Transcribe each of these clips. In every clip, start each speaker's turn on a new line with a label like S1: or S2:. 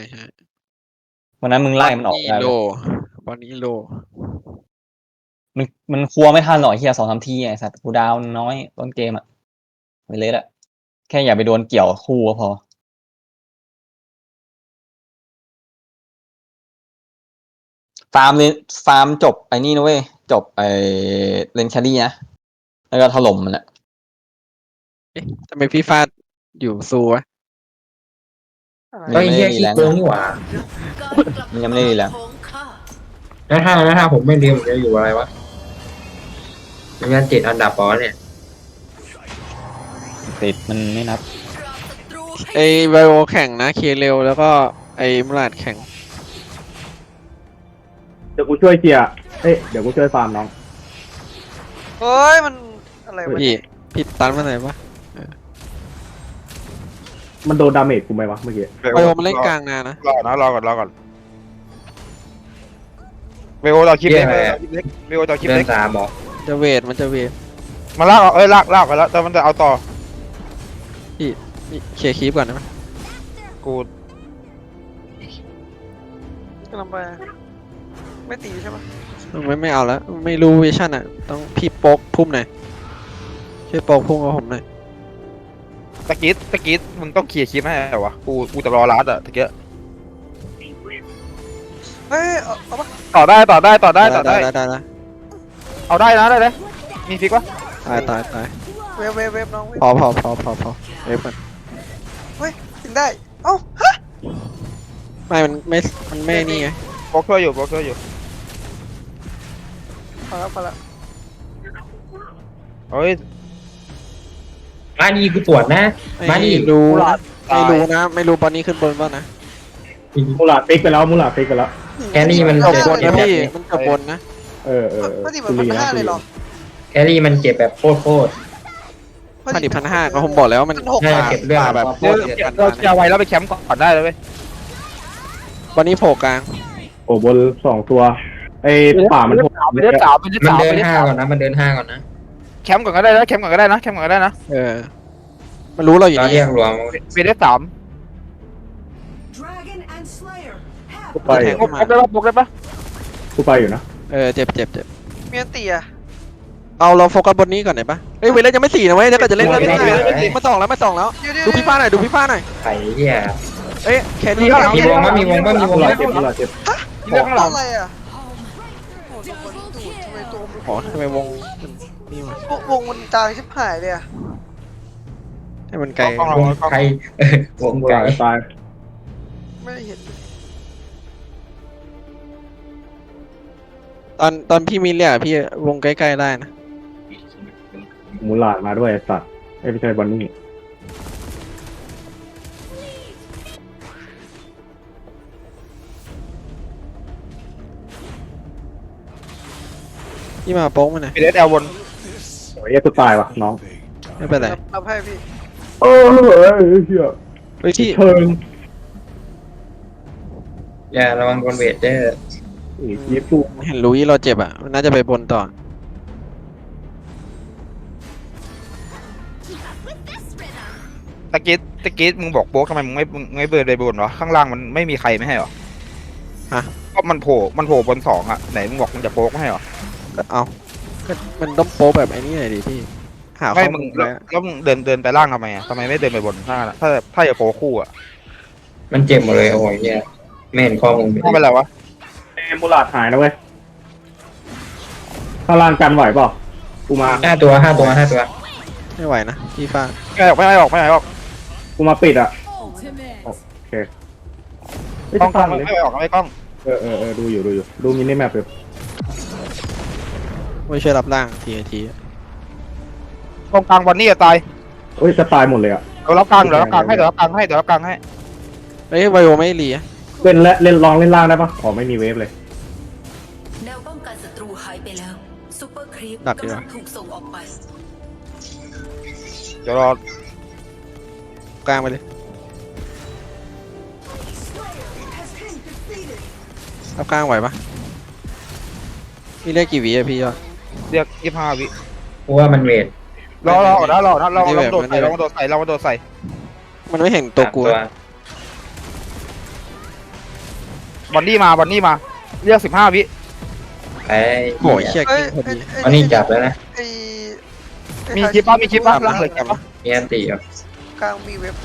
S1: ใช่
S2: วันนั้นมึงไล่มันออก
S1: นี่
S2: ได้
S1: โล
S2: เลย
S1: วันนี้โล
S2: มันครัวไม่ทันหรอกเฮีย2-3 ทีไอ้สัตว์กูดาวน้อยต้นเกมอ่ะไม่เละอะแค่อย่าไปโดนเกี่ยวคู่ก็พอฟาร์มเลนฟาร์มจบไอ้นี่นะเว้ยจบไอ้เลนแครี่นะแล้วก็ถล่มมันแหละ
S1: เอ๊ะทำไมพี่ฟาดอยู่ซูวะ
S2: มันยังไม่ได้รี
S3: ขี้
S2: แรงค์
S3: โกงนี่หว่า
S2: มันยังไม่ได้รีแรงค์
S3: แล้วถ้าผมไม่เรียนผมจะอยู่อะไรวะมันยัน7 อันดับปอเนี่ย
S2: ติดมันไม่นับ
S1: ไอไบโอแข่งนะเคเร็วแล้วก็ไอมูราดแข่ง
S4: เดี๋ยวกูช่วยเคลียร์เดี๋ยวกูช่วยฟาร์มน้อง
S5: เฮ้ยมันอะไรวะ
S1: พี่ตันมาไหนปะ
S4: มันโดนดาเมจกูไหมวะเมื่อกี้
S1: ไบโอมันเล่นกลางนานนะ
S6: รอก่อนเวโอต่อคลิปเล็กเวโอต่อคลิป
S3: เดิ
S6: เล็
S3: น
S6: ก
S3: ตามบอก
S1: จะเวทมันจะเวท
S6: มาลากลากไปแล้วแต่มันจะเอาต่อ
S1: นี่เคลียร์คีปก่อนนะ
S6: กู
S5: กำลังไปไม่ตีใช่ปะ
S1: ไม่เอาแล้วไม่รู้วิชั่นอ่ะต้องพี่โป๊กพุ่มหน่อยช่วยโป๊กพุ่มกับผมหน่อย
S6: ตะกี้มึงต้องเคลียร์คลิปให้เหรอวะกูจะรอรัดอะตะกี้
S5: เฮ้ยเอาปะ
S6: ต่อได้
S1: ได้
S6: เอาได้นะได้เลยมีฟิกวะ
S1: ตาย
S5: เวฟน้องเวฟ
S1: พอเวฟมัน
S5: ถึงได้เอ้าฮะ
S1: มันไม่นี่ไง
S6: โบกช่วยอยู่
S5: พอแล้ว
S6: เฮ้ย
S3: มานี่กูตรวจนะมานี่
S1: ไม่รู้นะไม่รู้ตอนนี้ขึ้นบนบ้างนะ
S4: มูลาฟิกไปแล้ว
S3: แครี่มัน
S1: เกือบ
S3: เจ็บบ
S1: น
S3: เจ็
S1: นะ
S3: บแบบ
S1: พี่
S3: นี้
S1: มันเกือบบนนะ
S5: ไม่ตีเหมือนพันห้าเลยหรอ
S3: แครี่มันเจ็บแบบโคตร
S1: 1,500ก็ผมบอกแล้วมัน
S3: ๆน่าจะเก็บเรื่อง
S1: แบบ
S3: โค
S6: เดี๋ยว
S3: ตรเจ็บ
S6: เราจะไว้แล้วไปแคมป์ก่อนได้เลยเว้ย
S1: วันนี้โผล่กลาง
S4: โอ้บน2 ตัวป่ามันโผล่
S6: เป็นเดือนสาม
S3: มันเดิน5ก่อนนะมันเดิน5ก่อนนะ
S6: แคมป์ก่อนก็ได้นะ
S1: มันรู้เราอยู่
S3: เรา
S1: นี่
S3: เรียกรวม
S6: เป็นเดือนสาม
S4: กูไป
S6: บกได้ปะ
S4: กูไปอยู่นะ
S1: เจ็บ
S5: เมียนตีอะ
S1: เราโฟกัสบนนี้ก่อนไหนปะเฮ้ยเวลายังไม่4นะเว้ยถ้าเกิดจะเล่นก็เล่นได้มา2แล้วดูพี่ฟ้าหน่อย
S3: ไข่เหี้ย
S1: แค่นี้
S3: มีวงมั้ยมีวงมั้ยมีวง
S4: มู
S3: มั้
S4: ลาย เจ็บมูลาเจ็บ
S6: ที่เรื่องข้างหลัง
S5: อะไรอะโอ้โหมันดูดทำไมตัวมัน
S1: อ๋อทำไมวงนี่วะ
S5: วงมันจางชิบหายเลยอะ
S1: ให้มันไกล
S3: วงไข่วง
S4: มู
S3: ไก่
S4: ลาตาย
S5: ไม่ได้เห็น
S1: ตอนพี่มีเรียกพี่วงใกล้ๆได้นะ
S4: มูลามาด้วยไอ้สัตว์ไม่ใช่บอนนี่
S1: พี่มาโป๊กมาหน่อย
S6: เป็นเดือนแอลบน
S4: โอ้ยกูตายว่ะน้อง
S1: ไม่เป็นไร
S5: รับให้พี่
S4: เเฮีย
S1: เฮ้ยพี่
S4: เชิง
S3: อย่าระวังคนเวทเด้อ
S4: ยีฟู
S1: เห็นลุยเราเจ็บอ่ะมันน่าจะไปบนต่อ
S6: ตะกี้มึงบอกโบกทำไมมึงไม่เบิร์นไปบนวะข้างล่างมันไม่มีใครไม่ให้หรอก็มันโผล่บน2อะไหนมึงบอกมึงจะโบกไม่ให้หรอ
S1: ก็เอาก็มันต้องโป๊กแบบไอ้นี่หน่อยดิพี่หาข้
S6: ไม่
S1: อ
S6: มึง
S1: มูล
S6: แล้
S1: แล้ว
S6: วมึงเดินไปล่างทำไมอะทำไมไม่เดินไปบนถ้าจะโบกคู่อะ
S3: มันเจ็บหมดเลยโอ้ยเหี้ยไม่เห็นข้อมูล
S6: ไม่เป็นไรวะ
S4: มูลาหายนะเว้ยข้างล่างกันไหวเปล่ากูมา
S3: 5 ตัว
S1: ไม่ไหวนะพี่ฟ้า
S6: ไม่ออก
S4: กูมาปิดอ่ะโอเคไม่
S6: กล้
S4: ต้
S6: อ
S4: อง งฟังเลย
S6: ไม่ออกไม่กล้อง
S4: ดูอยู่ดูมินิแมปอยู่
S1: ไม่ช่วยรับร่างที
S6: กองกลางวันนี้จะตาย
S4: เอ้ยจะตายหมดเลยอ่ะ
S6: เดี๋ยวรับกลางให้
S1: เฮ้ยไบโอไม่รีอะ
S4: เล่นลองเล่นล่างได้ปะอ๋อไม่มีเวฟเลย
S7: แนวป้องกันศัตรูหายไปแล้วซูเปอร์ครีป
S1: ดักดีก
S7: กำลั
S1: ว่า
S7: งถูกส่งออกไป
S6: เดี๋ยวรอก
S1: ลางไปเลยรับกลางไหวปะพี่เรียกกี่วิอะพี่ยอด
S6: เรียก25 วิ
S3: กูว่ามันเวท
S6: รอโดดใส่
S1: มันไม่เห็นตัวกู
S3: 3
S6: บอนดี้มาเรียก15 วิ
S3: ไอ้
S1: โอ้ยเชี่ย
S5: เอ้
S1: กิ้
S5: ย
S1: งพอดี
S3: อันนี้จับแล้วนะ
S5: ไอ้
S6: มีคลิปป่ะล่างเลยคลิปป่ะ
S3: มีอันตีอ่ะ
S5: กลางมีเว็บ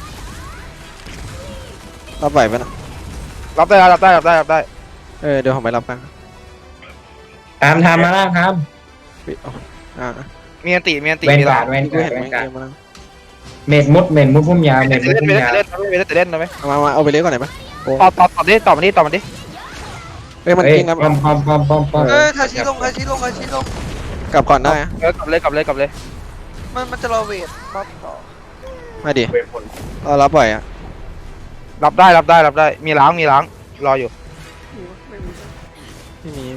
S1: รับไหวปะนะ
S6: รับได้รับได้
S1: เดี๋ยวผมไปรับกัน
S3: ทำมาล่างท
S1: ปิดอ่า
S6: มีอันติ
S3: ำเวน
S6: มี
S3: การ์
S6: ล้า
S3: ด
S6: ง
S3: เวน
S1: กู
S3: การ์ด
S1: เห็น
S3: เว
S1: ไหม
S3: นการ์ด
S1: เกมมาแล้ว
S3: เม็ดมุดพุ่มยาวเม็ดมุดพุ่มยาว
S6: เล่นได้ไหม
S1: มาเอาไปเลี้ยก่อนไหนปะ
S6: ต่อดิต่อมาดิ
S1: เฮ้ยมัน
S3: เฮ้ย
S1: กิ้งนะ
S3: ป้อม
S5: เอ้ยทาชิลง
S1: กลับก่อนได้อะ
S6: กลับเลย
S5: มันจะรอเวทบัฟต่อ
S1: มาดิเรารับไหวอ่ะ
S6: รับได้มีล้างรออยู่
S5: ไม่มี
S1: ไม่มี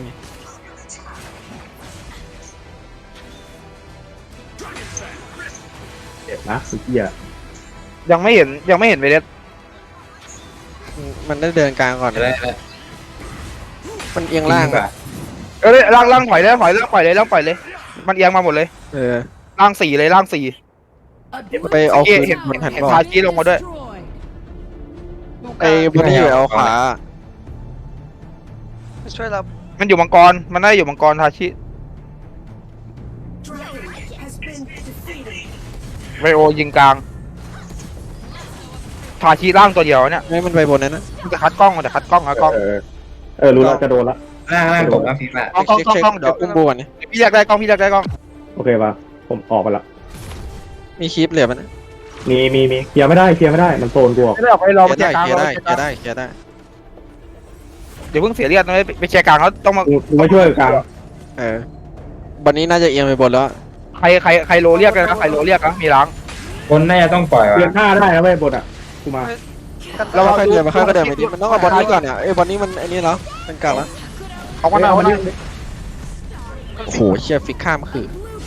S4: เจ็บนะสุดเหี้ย
S6: ยังไม่เห็นเวเดส
S1: มันได้เดินกลางก่อน
S3: ได้
S1: มันเอียงล่าง
S3: ก่อ
S1: อะ
S3: น
S6: ล่างถอยเลยมันเอียงมาหมดเลย ล่าง4เลยล่าง4
S1: ไปเอาคืน
S6: เห็น
S1: มันหัน
S6: เห็น
S1: ก่อ
S6: ทาน จีลงมาด้วย
S1: ไอ้บนนี้อยู่เอาขวา
S5: ช่วยรับ
S6: มันอยู่มังกรมันได้อยู่มังกรทาชิไวโอยิงกลางทาชิล่างตัวเดียวเนี่ย
S1: ไม่มันไปบนนั้นนะ
S6: มันจะคัดกล้องอะกล้อง
S4: รู้แล้วจะโดนละ
S3: ล่างตกแล้วฟีฟ่า
S6: กล้อง
S1: เช็คเดี๋ยวอุ้มบวนนี่
S6: พี่อยากได้กล้อง
S4: โอเคป่ะผมออกไปละ
S1: มีคลิปเหลือมัน
S4: มีเคลียร์ไม่ได้มันโซนกูออก
S6: ไม่ได้ออกไปรอ
S1: เค
S6: ไป
S1: ลียร์
S6: แจ
S1: ได้
S6: กกลาง
S1: เคลียร์ได้เคลียร์ได้
S6: เดี๋ยวเพิ่งเสียเลือดนะไปแจกกลางแล้วต้องมา
S4: กูไม่ช่วยกลาง
S1: วันนี้น่าจะเอียงไปบนแล้ว
S6: ใครโลเรียกกันนะใครโลเรียกนะมีล้าง
S3: คนน่าจะต้องปล่อย
S4: เปลี่ยน
S3: ว่ะ
S4: ท่าได้นะเว้ยบทอ่ะกูมา
S1: เราค่อยเดินมาค่อยก็เดินไปดิมันต้องเอาบอลนี้ก่อนเนี่ยบอลนี้มันไอ้นี่แล้วเป็นกลางแล้ว
S6: เอากันเอา
S1: โอ้โหเชี่ยฟิกข้ามคือ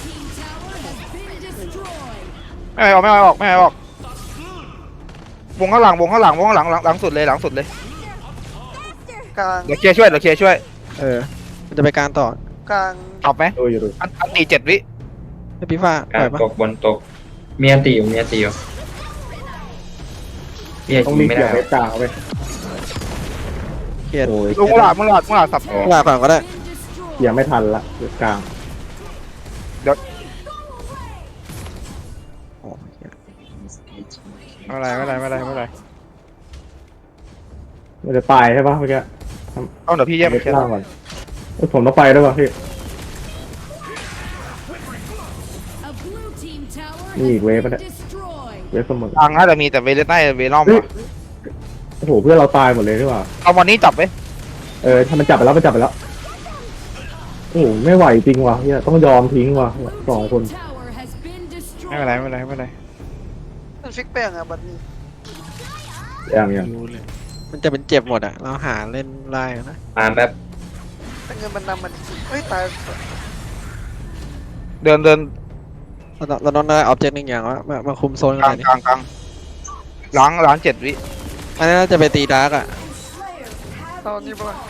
S6: ไม่ออกวงข้างหลังหลังสุดเลย
S5: กลาง
S6: เดี๋ยวเคลียร์ช่วย
S1: มันจะไปการต่อก
S5: ลาง
S6: ตอบไหม
S4: ดูอยู่
S6: อันตี7 วิ
S1: ให้พี่ฟ้าป
S3: กา
S1: ล่อ
S3: ร
S1: ยปะ
S3: ตกบนตกมีอันตีอยู่พี่
S4: ต้อง
S3: ยิ
S4: รี
S3: ง
S4: บ
S3: ไม่
S4: เกี่
S3: ได้
S4: ยวเว็บกลางเว้ย
S1: เคลียร์
S4: โอ้ย
S6: มึงหลาด
S1: เวลาก่อนก็ได้
S4: เคลียร์ไม่ทันละเว็บกลาง
S1: โอ้เหี้ย
S6: ไม่เป็นไร
S4: มันจะตายใช่ปะเมื่อกี้
S6: เอาเดี๋ยวพี่แยก
S4: เว็
S6: ไป
S4: บ
S6: เคลีย
S4: ก
S6: ร์
S4: ลางก่อนผมต้องไปด้วยป่ะพี่นี่อีกเว็บมันเนี่ยเว็บเสมอก
S6: ลางน่าจะมีแต่เวเลสไนเวนอม
S4: โอ้โหเพื่อนเราตายหมดเลยใช่ป่ะ
S6: เอาวันนี้จับไป
S4: ถ้ามันจับไปแล้วโอ้โหไม่ไหวจริงว่ะเฮียต้องยอมทิ้งว่ะ2 คน
S6: ไม่เป็นไร
S5: มันฟิกแป้งอ่ะบัดนี้
S4: อย่าง
S1: รู้เลยมันจะเป็นเจ็บหมดอ่ะเราหาเล่นไล่นะ
S3: มาแป๊บ
S5: แต่เงินมันนำมันเฮ้ยตาย
S6: เดิน
S1: เราต้องได้ออบเจกต์หนึ่งอย่างว่ามาคุมโซน
S6: ก
S1: กั
S6: ลาน ง
S1: นี่
S6: ล้าง7 วิ
S1: อันนี้น่าจะไปตีดาร์กอ่ะ
S5: ตอนนี้ป่ะ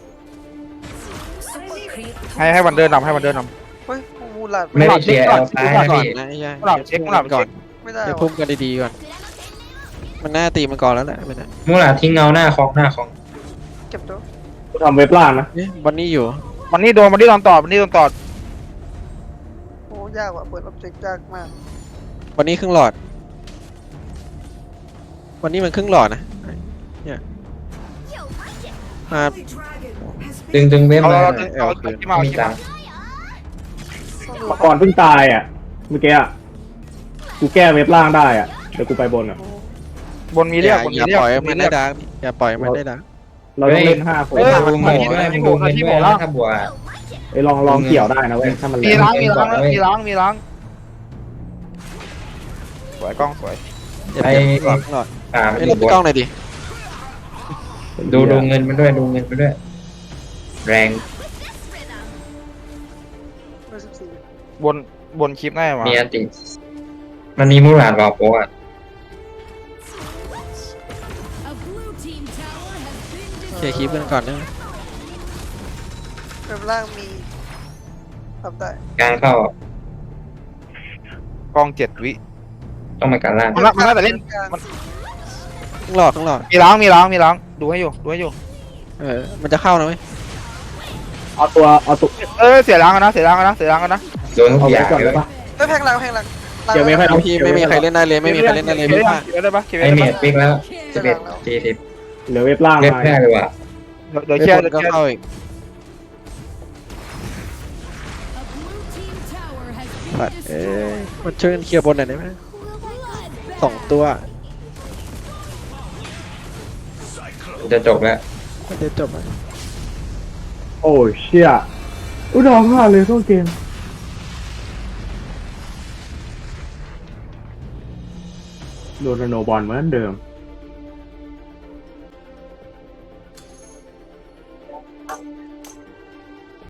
S6: ให้วันเดินนำ
S5: เฮ้ยมูลาด
S3: ไม่ได้เคลียร์เอาซ้าย
S1: ก่อน
S3: พี่
S1: นะไอ้ยัย
S6: หลับเช็ค
S1: ก่อน
S5: ไม่ได้
S1: เดี๋ยวพุ่มกันดีๆก่อนมันน่าตีมันก่อนแล้วแหละไม่นะ
S3: มูหลาทิ้งเงาหน้าคอง
S5: เก็บตัว
S4: กูทำเว็บล่างนะ
S1: วันนี้อยู่
S6: วันนี้โดนตอด
S5: โอ้ยากว่ะเปิดออบเจกต์ยากมาก
S1: วันนี้ครึ่งหลอด วันนี้มันครึ่งหลอดนะเนี่ยมา
S3: ดึงเว็บ
S6: เอา
S3: มา
S6: เอาที่มา
S3: มีตังค์
S5: ต้องดู
S4: มังกรเพิ่งตายอ่ะเมื่อกี้อ่ะกูแก้เว็บล่างได้อ่ะเดี๋ยวกูไปบนอ่ะ
S6: บนมีเรียก
S1: อย่าปล่อยมันได้ดาร์กอย่าปล่อยมันได้ดาร์ก
S4: เราต้องเล่น5 คน
S3: ดูเงินด้วยดูเงินด้วยถ้าบัว
S4: ลองเกี่ยวได้นะเว้ยถ้ามัน
S6: มี
S4: แรง
S6: ล้างสวยกล้องสวย
S1: อย่าเปลี่ยนหลอดครึ่งหลอด
S3: ตาม
S1: ไอ้ยเราไปกล้องหน่อยดิ
S3: ดูเงินมันด้วยแรง
S6: บนคลิปแน่มา
S3: มีอันติมันมีมูหลาดรอโป๊ะ
S1: เคลียร์คลิปกันก่อนเนอะ
S5: เว็บล่างมีทำได้
S3: การเข้าก
S6: ล้อง7 วิ
S3: ต้องมาการล่าง
S6: มันน่าจะเล่น
S5: กลาง
S1: ครึ่งหลอด
S6: มีล้างดูให้อยู่
S1: มันจะเข้านะเว้ย
S4: เอาตัว
S6: เสียล้างกันนะเสียล้างกันนะเสียล้างกันนะ
S3: โดนทุ
S4: เอา
S3: กอ
S4: ไว้
S3: ย่าง
S4: ก่อน
S3: เล
S4: ได้
S3: ย
S4: ปะ
S5: เฮ้ยแพงหลังแพงหลัง
S4: เดี๋ยวไม่ค่อยเอา
S1: พี่ไม่มีใครเล่นได้เลยไม่มีใครเล่นได้เลย
S6: เก็บ
S1: พี่
S6: ได้
S1: ว่า
S6: เก็บได้ปะเก็บ
S3: ไอ
S6: ได้
S3: เม
S6: ปะ
S3: ดปิกแล้ว11 40
S4: เหลือเว็บล่าง
S3: เล่น
S4: มา
S3: แพ้เลยว่ะ
S6: เดี๋ยว
S1: ไม่
S6: เชียร์
S1: คนก็เข้าอีกสัตว์มันช่วยกันเคลียร์บนหน่อยได้ไหม2 ตัว
S3: จะจบแล้ว
S1: มันจะจบไหม
S4: โอ้เชี่ยอุ้ยร้องไห้เลยเข้าเกมโดนโนบอลเหมือนเดิม